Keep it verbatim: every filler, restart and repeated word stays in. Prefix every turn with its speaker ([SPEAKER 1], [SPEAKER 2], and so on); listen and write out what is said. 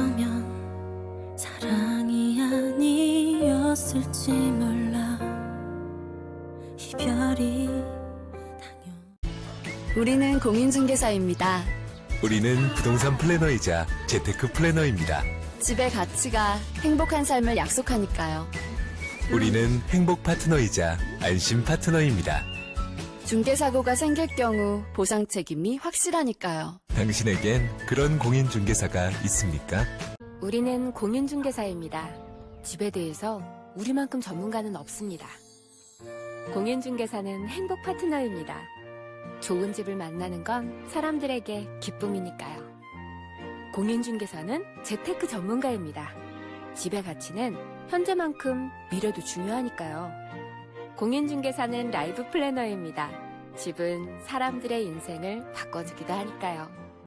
[SPEAKER 1] 거면 사랑이 아니었을지 몰라. 이별이 당연.
[SPEAKER 2] 우리는 공인중개사입니다.
[SPEAKER 3] 우리는 부동산 플래너이자 재테크 플래너입니다.
[SPEAKER 2] 집의 가치가 행복한 삶을 약속하니까요.
[SPEAKER 3] 우리는 행복 파트너이자 안심 파트너입니다.
[SPEAKER 2] 중개사고가 생길 경우 보상 책임이 확실하니까요.
[SPEAKER 3] 당신에겐 그런 공인중개사가 있습니까?
[SPEAKER 4] 우리는 공인중개사입니다. 집에 대해서 우리만큼 전문가는 없습니다. 공인중개사는 행복 파트너입니다. 좋은 집을 만나는 건 사람들에게 기쁨이니까요. 공인중개사는 재테크 전문가입니다. 집의 가치는 현재만큼 미래도 중요하니까요. 공인중개사는 라이프 플래너입니다. 집은 사람들의 인생을 바꿔주기도 하니까요.